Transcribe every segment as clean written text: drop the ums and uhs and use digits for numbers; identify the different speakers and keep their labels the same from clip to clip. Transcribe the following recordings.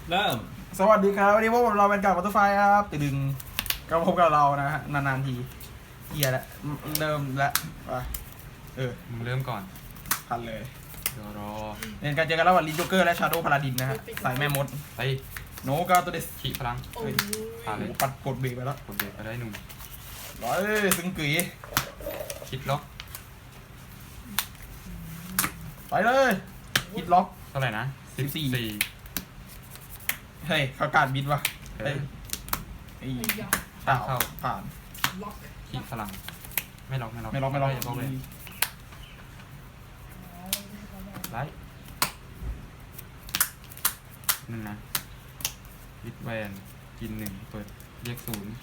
Speaker 1: เริ่ม
Speaker 2: สวัสดีครับวันนี้พวกเราเป็นกับวัตถุไฟครับตึงก็พบกับเรานะฮะนานๆทีเฮียแล้วเริ่มแล้ว
Speaker 3: มึงเริ่มก่อน
Speaker 2: พันเลย
Speaker 3: เดี๋ยวรอ
Speaker 2: เล่นการเจอกันระหว่างลินโจเกอร์และชาโดว์พาราดินนะฮะสายแม่มด
Speaker 3: ไป
Speaker 2: โนกาตัวเดส
Speaker 3: ขี่พลังผ่านเลย
Speaker 2: ปัดกดเบรกไปแล้ว
Speaker 3: กดเบรกก็ได้หนุ่ม
Speaker 2: ร้อยซึ่งกุ๋ย
Speaker 3: คิดล็อก
Speaker 2: ไปเลยฮิตล็อก
Speaker 3: เท่าไหร่นะ
Speaker 2: 14 เฮ้ยเขาการบิดวะ
Speaker 3: เอ
Speaker 2: เฮ้ย
Speaker 3: อ
Speaker 2: ไอ้เต่าผ่าน
Speaker 3: ขี่พลังไม่ล็อก
Speaker 2: ไม่ล็อกไม่ล็อก
Speaker 3: อย่าล็อกเลยไลท์นึงนะวิดแวนกิน1เปิดเรียก0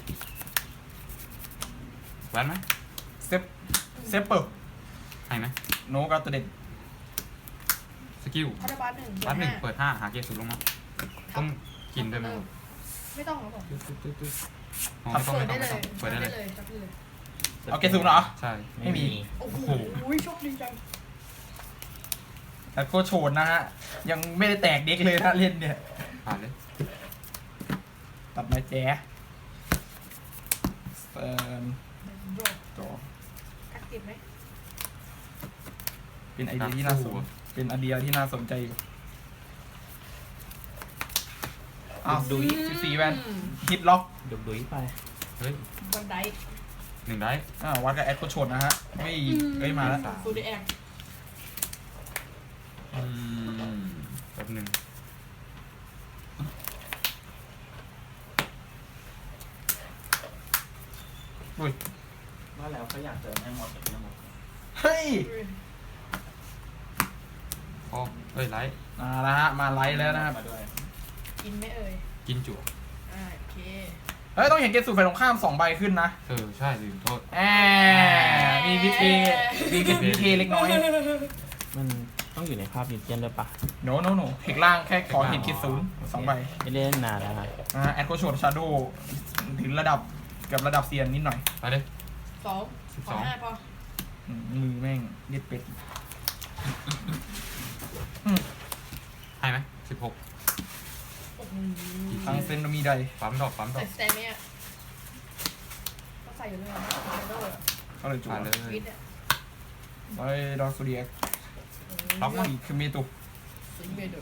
Speaker 3: แวนไหม
Speaker 2: เซฟเปิล
Speaker 3: ให้ไหม
Speaker 2: โนกาตัวเด็ด
Speaker 3: สกิล
Speaker 4: พัฒบาลหนึ่ง
Speaker 3: บัต1เปิด5หาเกียร์0ลงมาต้องกินด้วยไหม
Speaker 4: ไม่ต้องครับผม
Speaker 3: อ๋อไม่ต้อง
Speaker 4: เปิดได้เลย
Speaker 3: เปิดได้เลย
Speaker 4: จับได้เลย
Speaker 2: เอาเกสูเหรอ
Speaker 3: ใช่
Speaker 2: ไม่มี
Speaker 4: โอ้โหโชคดีจัง
Speaker 2: แต่โคโชนนะฮะยังไม่ได้แตกเด็กเลยนะเล่นเนี่ย
Speaker 3: ผ่านเลย
Speaker 2: ตัดไม้แจ๊เซิร์น
Speaker 4: โดด
Speaker 2: ต่อ
Speaker 4: กัดติดไหม
Speaker 2: เป็นไอเดียที่น่าสนเป็นไอเดียที่น่าสนใจอยู่อ้าวดู14แวนฮิตล็อก
Speaker 1: ดุยไป
Speaker 3: เฮ้ย
Speaker 4: บันได
Speaker 3: 1ได้
Speaker 2: วัดกับแอดโคโชนนะฮะไม่เอ้ยมาแล้ว
Speaker 4: ฟูดแอค
Speaker 3: แป๊บหนึ่ง
Speaker 2: อุ้ย
Speaker 1: ว่าแล้วเขาอยากเจอแม่หมดแต่ไม่หมด
Speaker 2: เฮ้ย
Speaker 3: อ๋อเอ้ยไลท์
Speaker 2: มาแล้วฮะมาไลท์แล้วนะครับ
Speaker 1: มาด้วย
Speaker 4: กินไหมเอ่ย
Speaker 3: กินจั่ว
Speaker 4: โอเค
Speaker 2: เฮ้ยต้องเห็นเกสูไฟตรงข้าม2 ใบขึ้นนะ
Speaker 3: ใช่ลืมโทษ
Speaker 2: มีวิธีเล็กน้อย
Speaker 1: มันต้องอยู่ในภาพดิจิตอลด้วยปะ
Speaker 2: โนเทคล่างแค่ขอเห็นคิดศูนย์2 ใบ
Speaker 1: ไม่ได้เล่นนานแล้วครับ
Speaker 2: แอดโคโชนชาโดถึงระดับกับระดับเซียนนิดหน่อย
Speaker 3: ไปเลย
Speaker 4: 2 5พอ
Speaker 2: มือแม่งเย็ดเป็ด
Speaker 3: ให้ไหม16
Speaker 4: โอ้โห
Speaker 2: ทั้งเซนมีใด
Speaker 3: ปั๊มดอก
Speaker 4: ใส่สเตมี่อ่ะต้องใส่อยู่เลยนะโดด
Speaker 2: ก็เลยจุ๊
Speaker 3: ผ่านเลย
Speaker 4: วิดอ่ะ
Speaker 2: ไปดอสเดีย
Speaker 3: ล็อกมา
Speaker 2: อีกคือเมตุ
Speaker 4: สิงเบด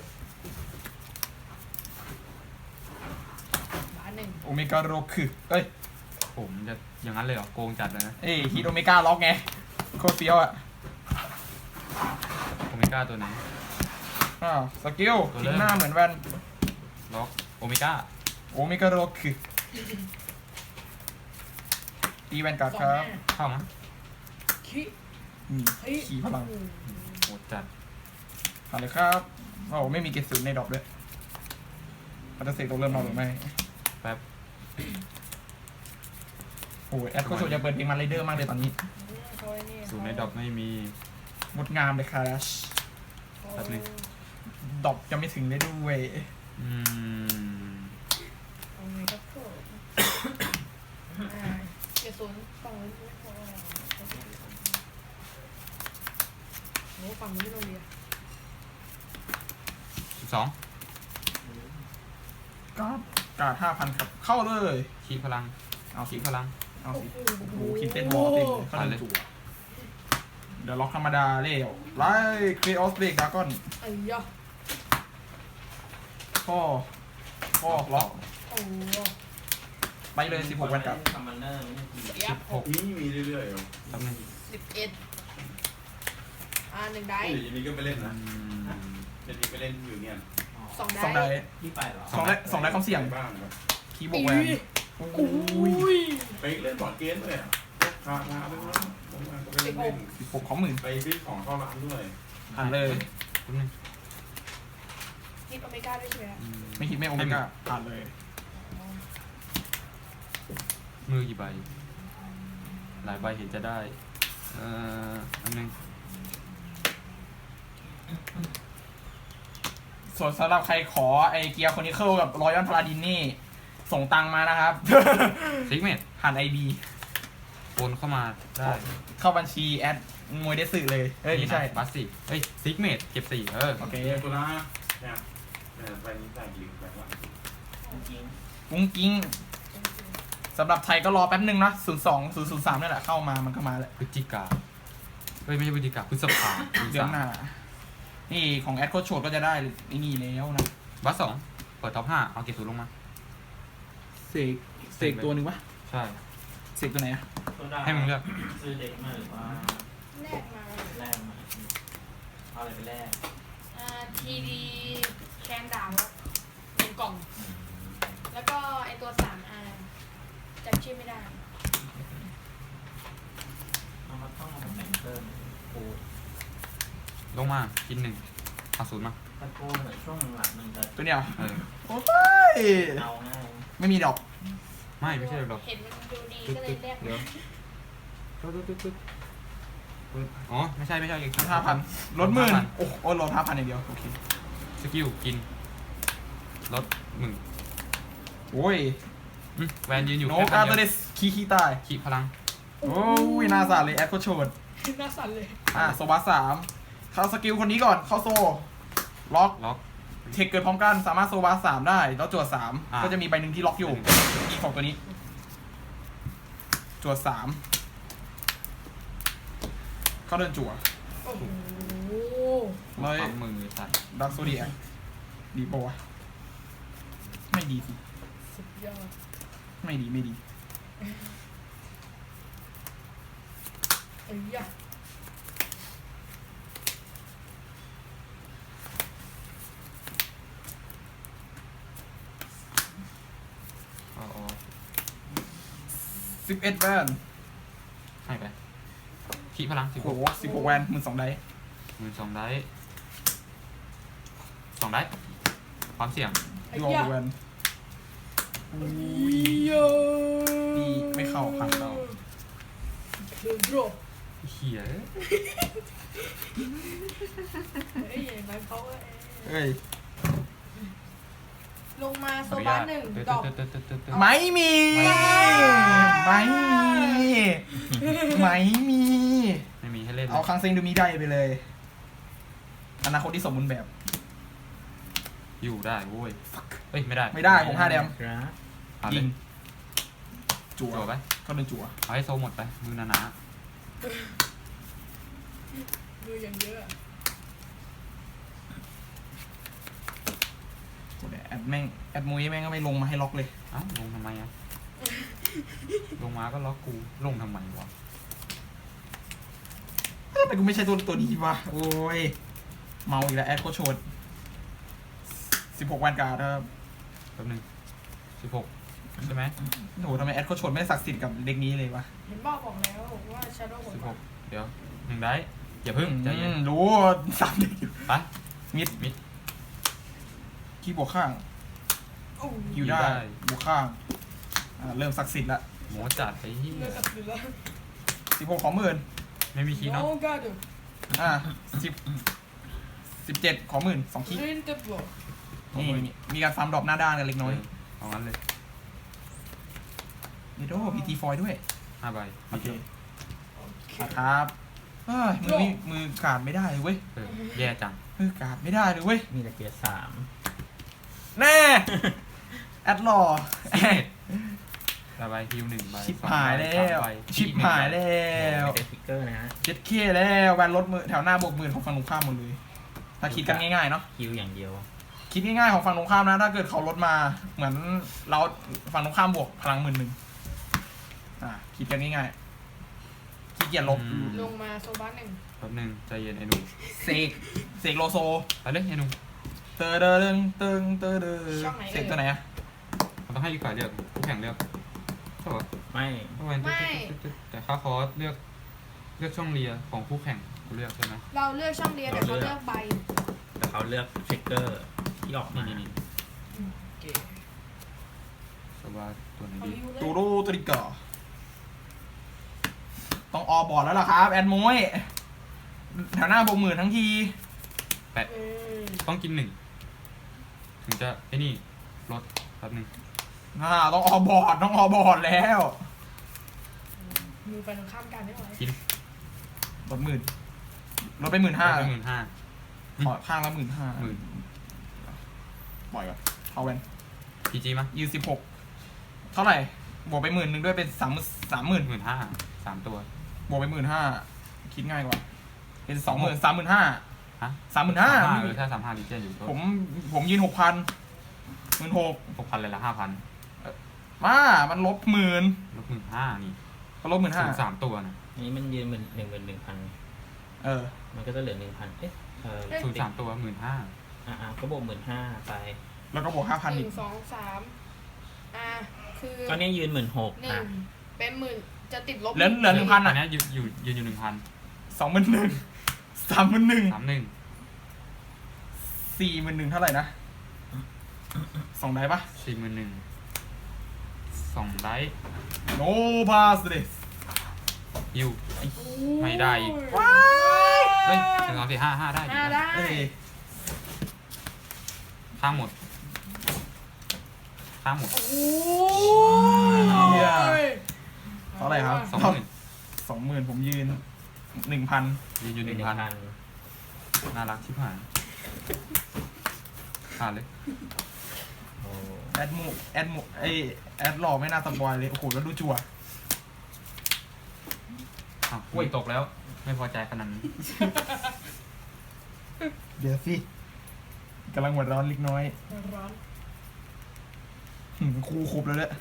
Speaker 4: บ้านหนึ่ง
Speaker 2: โอเมก้าโรคือเอ้ย
Speaker 3: ผมจะอย่างนั้นเลยเหรอโกงจัดเลยนะ
Speaker 2: ฮีโอเมก้าล็อกไงโคตรเฟี้ยวอ่ะ
Speaker 3: โอเมก้าตัวไหน
Speaker 2: สกิล
Speaker 3: ตัวเริ่
Speaker 2: ทิ้
Speaker 3: ม
Speaker 2: งหน้าเหมือนแวน
Speaker 3: ล็อกโอเมก้า
Speaker 2: โอเมก้าโรคือตีแวนการ์ดครับ
Speaker 3: เข้ามั้ย
Speaker 4: ขี้
Speaker 2: ขี่พลัง
Speaker 3: โหดจัด
Speaker 2: ผ่านเลยครับโอ้ไม่มีเกสูในดอกด้วยมันจะเสกตัวเริ่มนอนหรือไม่
Speaker 3: แป๊บ
Speaker 2: โอ้ยแอดโคโชจะเปิดเพลงมันไรเดอร์มากเลยตอนนี้
Speaker 3: ศูนย์ในดอกไม่มี
Speaker 2: งดงามเลยครับ
Speaker 3: แป๊บนึง
Speaker 2: ดอกจะไม่ถึงได้ด้วย
Speaker 3: อืม
Speaker 4: โอ้ยก็โผล่เกศูนย์ฝั่งนู้นไม่พอโอ้ฝั่งนี้ไม่ต้องเรียน
Speaker 3: 12
Speaker 2: การ์ด5,000ครับเข้าเลย
Speaker 3: ขี้พลัง
Speaker 2: เอาสิ
Speaker 3: ขี้พลัง
Speaker 2: เอาสิโอ้โหคิดเต้นวอลเต็มเลยเข้าเลยจั่วเดี๋ยวล็อกธรรมดาเร็วไล่ครีออสเบรกดากอน
Speaker 4: ไอ้ยะ
Speaker 2: ข้อล็อก
Speaker 4: โอ้
Speaker 2: ไปเลย16วันกับ
Speaker 1: ซัมมอนเนอร์ไม่ใช่ที
Speaker 4: เสียบ
Speaker 3: 16
Speaker 5: นี่มีเรื่อยๆเหรอ
Speaker 3: แป๊บนึง
Speaker 4: 111ได้
Speaker 5: เดี๋ยวนี้ก็ไปเล่น
Speaker 3: อื
Speaker 5: นะ
Speaker 3: ม
Speaker 5: เดี๋ยวนี้ไปเล่นอยู่เนี่ย
Speaker 4: 2
Speaker 2: 2
Speaker 4: ได้
Speaker 2: ได้
Speaker 1: ที่ไปเหรอ
Speaker 2: 2ได้เขาเสี่ยง
Speaker 5: บ้างครับ
Speaker 2: คีย์บวกแวนโอ้ย
Speaker 5: ไปเล่นบอร์ดเกมเลยอ่ะพาไปแล้วผมก็ไปเล่น
Speaker 2: 16ของหมื่น
Speaker 5: ไปซื้อของเข้าร้านด้วย
Speaker 2: ผ่านเลย
Speaker 3: แป๊บนึง
Speaker 4: ฮิตโอเมก้าด้วยใช่ไหม
Speaker 3: อืม
Speaker 2: ไม่คิดไม่โอเมก้าผ่านเลย
Speaker 3: มือกี่ใบ หลายใบเห็นจะได้ อันนึง
Speaker 2: ส่วนสำหรับใครขอไอเกียร์คอนิเคิลกับรอยัลพาราดินนี่ ส่งตังมานะครับ
Speaker 3: ซิกเมต
Speaker 2: ผ่านไอดี
Speaker 3: โอนเข้ามาได้
Speaker 2: เข้าบัญชีแอดมวยได้สื่อเลยเอ้ยไม่ใช่
Speaker 3: บัสสิซิกเมตเก็บ4
Speaker 2: โอเค
Speaker 5: ตัวนะเนี่ยไปนี้ใส่ลิงไปว่า
Speaker 1: จริง
Speaker 2: กุ้งกิ้งสำหรับไทยก็รอแป๊บนึงนะ02-003นี่แหละเข้ามามันก็มาแล้ว
Speaker 3: พฤศจิกาเฮ้ยไม่ใช่พฤศจิกาพฤษภา
Speaker 2: เดือนหน้านี่ของแอดโคชโชดก็จะได้ไอ้นี่แล้วนะ
Speaker 3: บัส2เปิดท็อป5เอาเกรด0ลงมา
Speaker 2: เสกตัวหนึ่งปะ
Speaker 3: ใช่
Speaker 2: เสกตัวไหนอะ
Speaker 1: ๆโซดา
Speaker 3: ให้มึงเลือก
Speaker 1: ซื้อเด็กมาหรือว่า
Speaker 4: แลกมา
Speaker 1: แลกมาเอาอะไรไปแลก
Speaker 4: ทีดีแคนดาว1 กล่อง แล้วก็ไอตัว3R จำชื่อไม่ได้
Speaker 1: เอามาต้องเอามาแต่งเพิ่มโอ้
Speaker 3: ลงมากิน1เอา0มา
Speaker 1: ตะโกนเหมือนช่วงหลังๆมันจะ
Speaker 2: ตัวเนี้ย
Speaker 3: เออ
Speaker 2: โอ้ย
Speaker 1: เอาง่าย
Speaker 2: ไม่มีดอก
Speaker 3: ไม่ใช่หรอก
Speaker 4: เห็นมันดูดีก็เลยแลก
Speaker 3: เดี๋ยวตึ๊ดอ๋อไม่ใช่อีก
Speaker 2: 5,000ลด10,000โอ้โหลด5,000อย่างเดียวโอเค
Speaker 3: สกิลกินลดมึง
Speaker 2: โอ้ย
Speaker 3: แวนยืนอยู่
Speaker 2: โน
Speaker 3: แค่
Speaker 2: กา
Speaker 3: พัน
Speaker 2: เต
Speaker 3: เดี
Speaker 2: เด
Speaker 3: ยว
Speaker 2: สคีตาย
Speaker 3: ขีพลัง
Speaker 2: โอ้ยน่าสาเลยแอดโคชโชด
Speaker 4: น่าสั่นเลย
Speaker 2: โซบัส3เข้าสกิลคนนี้ก่อนเข้าโซล็อก
Speaker 3: ล็อก
Speaker 2: เทคเกิดพร้อมกันสามารถโซบัส3ได้แล้วจวด
Speaker 3: อ่า
Speaker 2: 3ก็จะมีใบหนึ่งที่ล็อกอยู่อีกของตัวนี้จวด3เข้าเดินจั่ว
Speaker 4: โอ้โห
Speaker 2: ร้อย
Speaker 3: ปั๊มมือสัตว์
Speaker 2: ดักโซเดียดีปะวะไม่ดีสิ
Speaker 4: สุดยอด
Speaker 2: ไม่ดี
Speaker 4: เอ้ยยะ
Speaker 3: อ๋อ
Speaker 2: 11แวน
Speaker 3: ให้ไปขีพลัง
Speaker 2: โอ้โห16แวน12ได้
Speaker 3: 12ได้2ได้ความเสี่ยง
Speaker 4: เอ้ย
Speaker 2: รอย
Speaker 4: ะ
Speaker 2: แวนดีไม่เข้าผ่านเรา
Speaker 4: คือโดร
Speaker 3: เหี้ย
Speaker 4: เฮ้ยอย่างนั้นเขาก็
Speaker 2: เอ้ย
Speaker 4: ลงมาโซบา1 ดอก
Speaker 2: ไม่มีไม่มี
Speaker 3: ไม่มีให้เล่น
Speaker 2: เอาคังเซ็งดูมีได้ไปเลย อนาคตที่สมบูรณ์แบบ
Speaker 3: อยู่ได้โว้ยเฮ้ยไม่ได้
Speaker 2: ไม่ได้ผม5แดม
Speaker 1: ครับ
Speaker 3: ผ่าน
Speaker 2: ยิ
Speaker 3: เลย
Speaker 2: งจั่ว
Speaker 3: จั่วไป
Speaker 2: ก็เดินจั่ว
Speaker 3: เอาให้โซหมดไปมือหนา
Speaker 4: มืออย่างเยอะ
Speaker 2: โอ้โหแอดแม่งแอดมุ้ยแม่งก็ไม่ลงมาให้ล็อกเลย
Speaker 3: ๆเอ้าลงทำไมอ่ะลงมาก็ล็อกกูลงทำไมวะ
Speaker 2: ทำไมกูไม่ใช่ตัวดีวะโอ้ยเมาอีกแล้วแอดโคชโชด16วันการ์ดครับ
Speaker 3: แป๊บนึง16ใช่ไหม
Speaker 2: โอ้โหทำไมแอดโคชโชดไม่ได้ศักดิ์สิทธิ์กับเด็กนี้เลยวะ
Speaker 4: เห็นบอกแล้วว่า Shadow หมด
Speaker 3: 16เดี๋ยว1ได้อย่าเพิ่งใจเย็น
Speaker 2: รู้3เด็กอยู่
Speaker 3: ไป
Speaker 2: มิด
Speaker 3: มิด
Speaker 2: คีย์บวกข้าง
Speaker 4: โอ้
Speaker 2: ฮิวได้
Speaker 3: ได้
Speaker 2: บวกข้างเริ่มศักดิ์สิทธิ์ละ
Speaker 3: หมูจัดไปที่
Speaker 4: เลือกกับเหลือ
Speaker 2: 16ของหมื่น
Speaker 3: ไม่มีคีย์เนาะ
Speaker 4: โอ้กาดู
Speaker 2: 17ของหมื่น2คีย์
Speaker 4: เล่นเต็มหรอ
Speaker 2: นี่มีการฟาร์มดรอปหน้าด้านกันเล็กน้อย
Speaker 3: เอางั้นเลย
Speaker 2: นี่โอ้พีทีฟอยด้วย
Speaker 3: 5ใบ
Speaker 2: โอเคครับเฮ้ยมือการ์ดไม่ได้เลยเว้ย
Speaker 3: แย่จัง
Speaker 2: การ์ดไม่ได้เลยเว้ย
Speaker 1: มีแต่เกียร์3
Speaker 2: แน่ แอดหล่อ
Speaker 3: ระบายฮิว1ใบ
Speaker 2: ชิบ
Speaker 3: 2
Speaker 2: หาย
Speaker 3: ใบ
Speaker 2: แล้ว
Speaker 3: 3ใบ
Speaker 2: ชิบหายแล้ว
Speaker 1: ไม่ได้ฟิกเกอร์นะฮะ
Speaker 2: เจ็ดเคแล้วแวนลดมือแถวหน้าบวกหมื่นของฝั่งตรงข้ามหมดเลย ถ้าคิดกันง่ายๆเนาะ
Speaker 1: คิวอย่างเดียว
Speaker 2: คิดง่ายๆของฝั่งตรงข้ามนะ ถ้าเกิดเขาลดมาเหมือนเราฝั่งตรงข้ามบวกพลัง11,000คิดกันง่ายๆขี้เกียจลบ
Speaker 4: ลงมาโซบา1
Speaker 3: แป๊บนึงใจเย็นไอ้หนุ่ม
Speaker 2: เสกโลโซ
Speaker 3: ไปเลยไอ้หนุ่ม
Speaker 2: เตอเดอเดิงเติงเตอเดอเสกตัวไหนอะ
Speaker 3: มันต้องให้อีกฝ่ายเลือกคู่แข่งเลือกใช่ปะ
Speaker 1: ไม่
Speaker 3: แต่ค่าคอร์สเลือกช่องเลียของคู่แข่งกูเลือกใช่ไหม
Speaker 4: เราเลือกช่องเรียนแต่เขาเลือกใบ
Speaker 1: แต่เขาเลือกเช็คเกอร์ที่ออกมา
Speaker 3: นี่สบายตัวไหน
Speaker 4: เขา
Speaker 3: ดี
Speaker 4: ฮิวเลย
Speaker 2: ตูรูตริกาต้องออบอร์ดแล้วล่ะครับแอนมวยแถวหน้าบวกหมื่นทั้งที
Speaker 3: แปะต้องกิน1ถึงจะไอ้นี่ลดแป๊บนึง
Speaker 2: ต้องออบอร์ดแล้ว
Speaker 4: มือไปตรงข้ามกันได้ไหม
Speaker 3: กิน
Speaker 2: ลด10,000ลดไป15,000
Speaker 3: 15,000
Speaker 2: ขอข้างละ15,000
Speaker 3: 10,000
Speaker 2: ปล่อยก่อนเอาแวน
Speaker 3: พีจีมั้ย
Speaker 2: ยืน16เท่าไหร่บวกไป10,000ด้วยเป็น30,000
Speaker 3: 15,000 3 ตัว
Speaker 2: บวกไป15,000คิดง่ายกว่าเป็น20,000 35,000
Speaker 3: ฮะ
Speaker 2: 35,000
Speaker 3: ถ้า35ลิเจนอยู่ก็
Speaker 2: ผมยืน6,000 16,000
Speaker 3: 6,000เลยละ 5,000
Speaker 2: มามันลบ10,000
Speaker 3: ลบ15,000นี่
Speaker 2: ก็ลบ
Speaker 3: ถึง
Speaker 2: 15,000
Speaker 3: 3ตัวนะ
Speaker 1: นี่มันยืน11,000
Speaker 2: เออ
Speaker 1: มันก็จะเหลือ 1,000เอ๊ะ
Speaker 3: ถึง3ตัว 15,000
Speaker 1: ก็บวก15,000ไป
Speaker 2: แล้วก็บวก 5,000
Speaker 4: ห
Speaker 2: อี
Speaker 4: นึ่
Speaker 2: ก
Speaker 4: งสองสามคือ
Speaker 1: ก็เนี่ยยืน16,000
Speaker 4: หนึ่งเป็น10,000จะติดลบ
Speaker 2: เหลือ 1,000
Speaker 3: อั
Speaker 2: อ่ะ
Speaker 3: นนี้ยืนอยู่ 1,000
Speaker 2: 21,000 31,000
Speaker 3: 31
Speaker 2: 41,000เท่าไหร่นะ2ได้ปะ
Speaker 3: 41,000 2ไลท์
Speaker 2: โนพาสเดส
Speaker 3: ฮิวไม่ได้อีก
Speaker 2: ว้าย
Speaker 3: เฮ้ย1 2 4 5 5ได้อยู่
Speaker 4: ได้
Speaker 2: เอ้ย
Speaker 3: ข้างหมด
Speaker 4: โอ้ย
Speaker 2: เท่าไหร่ครับ
Speaker 3: 20,000
Speaker 2: 20,000ผมยืน 1,000
Speaker 3: ยืนอยู่ 1,000 น่ารักชิบหายขาดเลย
Speaker 2: แอดหล่อไม่น่าสปอยเลยโอ้โหแล้วดูจั่ว
Speaker 3: อ้าวอุ้ยตกแล้ว ไม่พอใจขนาดนั้น
Speaker 2: เดี๋ยวสิกำลังหัวร้อนเล็กน้อย
Speaker 4: ร้อน
Speaker 2: ครูครบแล้วเนี่ย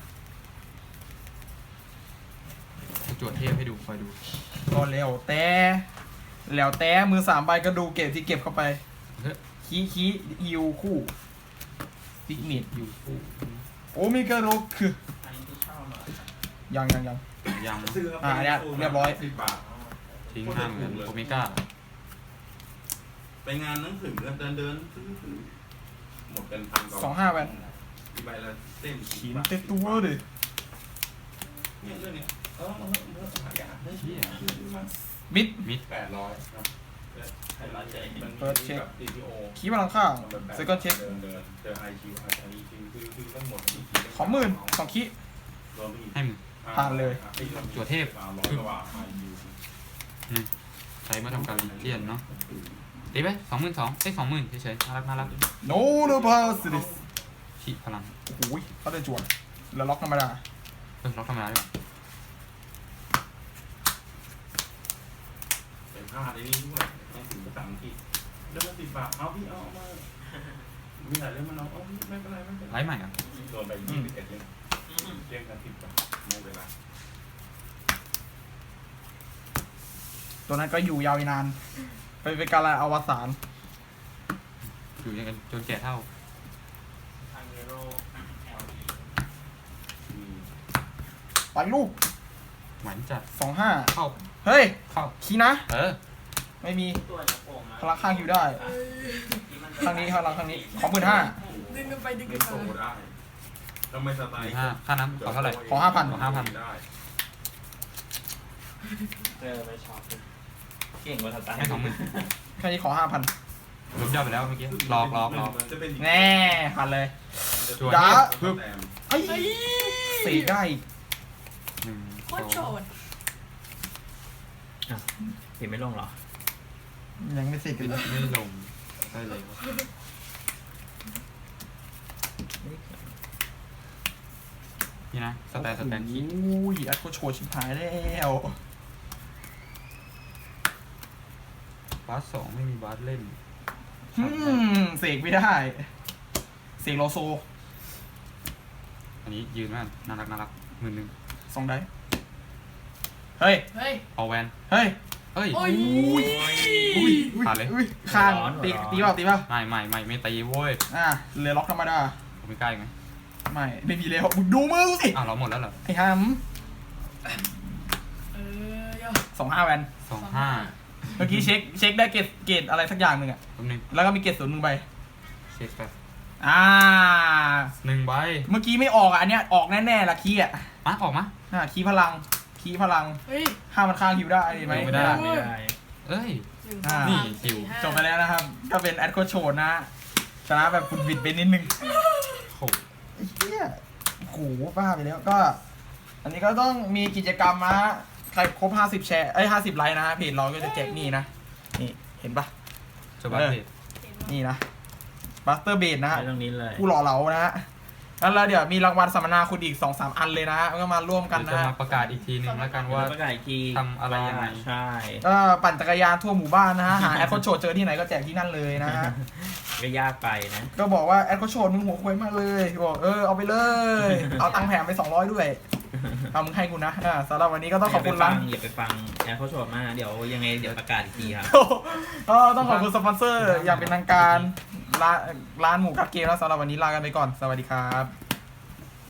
Speaker 3: จวดเทพให้ดูคอยดู
Speaker 2: ก็แล้วแต่มือ3 ใบก็ดูเก็บที่เก็บเข้าไป
Speaker 3: เฮ้ย
Speaker 2: คีฮิวคู่ซิกเนต
Speaker 3: อยู่คู่
Speaker 2: โอเมก้าโรคือยัง
Speaker 3: ยังนะ
Speaker 5: ซื้อ
Speaker 2: เนี่ยเรียบร้อย
Speaker 5: 10 บาท
Speaker 3: ทิ้ง50,000โอเมก้า
Speaker 5: ไปงานหนังสือเดินซื้อหมดเป็นพันกว่า
Speaker 2: 25แวน
Speaker 5: ใบละเส้น
Speaker 2: ขีนเต็มตัวเลย
Speaker 5: เนี่ยเรื่องเนี้ยหายากได้
Speaker 3: เชี่ย
Speaker 2: มิด
Speaker 3: มิด
Speaker 5: 800นะไฮไลท์มัน
Speaker 2: เปิดเช็ค
Speaker 5: แบบ TPO
Speaker 2: คีพลังข้างเซคันด์เช็ค
Speaker 5: เดินเจอ IQ อันนี้คือทั้งหมดนี่
Speaker 2: ขอ2,000คี
Speaker 5: รวมไปอีก
Speaker 3: ให้มึง
Speaker 2: ผ่านเลย
Speaker 3: จั่วเทพ
Speaker 5: 300กว่าบาท IQ
Speaker 3: ใช้มาทำการเลียนเนาะตีไป22,000ได้20,000เฉยๆน่ารัก
Speaker 2: โนโนพาสดิส
Speaker 3: ขีพลัง
Speaker 2: โอ้โหเขาได้จวนแล้วล็อกธรรมดา
Speaker 3: ล็อกธรรมดาด้วย
Speaker 5: เป็นผ้าในนี้ด้วยต้องถึงภาษาอังกฤษเรื่องละ10 บาทเอาพี่เอามามีหลายเรื่องมันเอาพี่ไม่เป็นไรไม่เป็นไร
Speaker 3: ไลฟ์ใหม่อ่ะ
Speaker 5: โดนไป21เรื่องเรื่องกัน10 บาทไม่เป็นไร
Speaker 2: ตัวนั้นก็อยู่ยาวอีกนานเป็นการอวสาน
Speaker 3: อยู่ยังกันจนแก่เท่า
Speaker 2: ไปลูก
Speaker 3: หวานจัด
Speaker 2: 25
Speaker 3: เข้า
Speaker 2: เฮ้ย
Speaker 3: เข้า
Speaker 2: คีนะ ไม่มี
Speaker 1: ตัวจะโป่งนะ
Speaker 2: พลังข้างอยู่ได้ข้างนี้พลังข้างนี้ขอ15,000
Speaker 4: ดึงกันไปดึง
Speaker 5: ไม่
Speaker 4: กัน
Speaker 5: โต
Speaker 4: มา
Speaker 5: ได้ทำไมสไตล์
Speaker 3: ค่าน้ำขอเท่าไหร่
Speaker 2: ขอ5,000
Speaker 3: ขอ5,000
Speaker 5: ได้
Speaker 1: ไม่ชอบเก่งกว่าสไตล์
Speaker 3: ให้20,000
Speaker 2: แค่นี้ขอ 5,000
Speaker 3: ลบยอดไปแล้วเมื่อกี้หลอก
Speaker 5: จะเป็น
Speaker 2: แน่ผ่านเลย
Speaker 3: จั่ว
Speaker 2: จ้า
Speaker 3: เทพ
Speaker 2: ไอ้สีได้อีก
Speaker 4: โคตรโฉด
Speaker 1: เห็นไม่ลงเหรอ
Speaker 2: ยังไม่เสร็จกันเลย
Speaker 3: ไม่ลงได้เลยนี่นะสแตนคี
Speaker 2: โอ้ยอัดโคโชว์ชิบหายแล้ว
Speaker 3: บาส2ไม่มีบาสเล่น
Speaker 2: เสกไม่ได้เสกโลโซ
Speaker 3: อันนี้ยืนมากน่ารัก11,000
Speaker 2: 2 ได้เฮ้ย
Speaker 4: เฮ้ย
Speaker 3: เอาแวน
Speaker 2: เฮ้ย
Speaker 3: เอ้ย
Speaker 4: โอ้ย
Speaker 3: ผ่านเลย
Speaker 2: ข้างตีเปล่า
Speaker 3: ไม่ตีโว้ย
Speaker 2: เหลือล็อกธรรมดา
Speaker 3: ผมไม่ใกล้ไหม
Speaker 2: ไม่มีแล้วมึงดูมือสิ
Speaker 3: เราหมดแล้วเหรอ
Speaker 2: ไอ้ฮัม 25 แวน
Speaker 3: 25
Speaker 2: เมื่อกี้เช็คได้เกรดอะไรสักอย่างหนึ่งอะ
Speaker 3: แป๊บนึง
Speaker 2: แล้วก็มีเกรด0 1 ใบ
Speaker 3: เช็คแป๊บ 1 ใบ
Speaker 2: เมื่อกี้ไม่ออกอ่ะอันเนี้ยออกแน่ๆละคีย์อ่ะ
Speaker 3: ออกมา
Speaker 2: คีย์พลัง
Speaker 4: เฮ้ย
Speaker 2: ห้ามันข้างฮิวได้ไหม
Speaker 3: ไม่ได้
Speaker 1: ไม่ได้
Speaker 3: เอ้ย
Speaker 2: นี่
Speaker 3: คิว
Speaker 2: จบไปแล้วนะครับ ก็เป็นแอดโคโชนนะชนะแบบคุณบิดไปนิดนึง
Speaker 3: โห
Speaker 2: ไอ้เหี้ยโอ้โหบ้าไปแล้วก็ อันนี้ก็ต้องมีกิจกรรมนะใครครบ50 แชร์50 ไลค์นะเพจเราก็จะแจกนี่นะนี่เห็นปะ
Speaker 3: จบบัตรเพจ
Speaker 2: นี่นะบัสเตอร์เบดนะฮะ
Speaker 1: ไปตรงนี้เลย
Speaker 2: ผู้หล่อเหลานะฮะแล้วเดี๋ยวมีรางวัลสัมมนาคุณอีก 2-3 อันเลยนะฮะก็มาร่วมกัน
Speaker 3: เดี๋ยว
Speaker 2: นะ
Speaker 3: จะ
Speaker 2: ฮะ
Speaker 3: มาประกาศอีกทีหนึงแล้วกัน
Speaker 1: ว่า
Speaker 3: ว่า
Speaker 1: ประกาศอีกที
Speaker 3: ทำอะไรยังไง
Speaker 1: ใช่
Speaker 2: ก็ปั่นจักรยานทั่วหมู่บ้านนะฮะหาแอดโคชโชเจอที่ไหนก็แจกที่นั่นเลยนะฮะ
Speaker 1: ก็ยากไปนะ
Speaker 2: ก็บอกว่าแอดโคชโชมึงหัวควยมากเลยบอกเอาไปเลย เอาตังค์แถมไป200ด้วยเอามึงให้กูนะสำหรับวันนี้ก็ต้องขอบคุณร้าน
Speaker 1: อย่าไปฟังแอร์เขาโชว์มากเดี๋ยวยังไงเดี๋ยวประกาศอีกทีครับ
Speaker 2: ก็ต้องขอบคุณสปอนเซอร์อย่างเป็นทางการร้านหมูกัดเกมแล้วสำหรับวันนี้ลากันไปก่อนสวัสดีครับ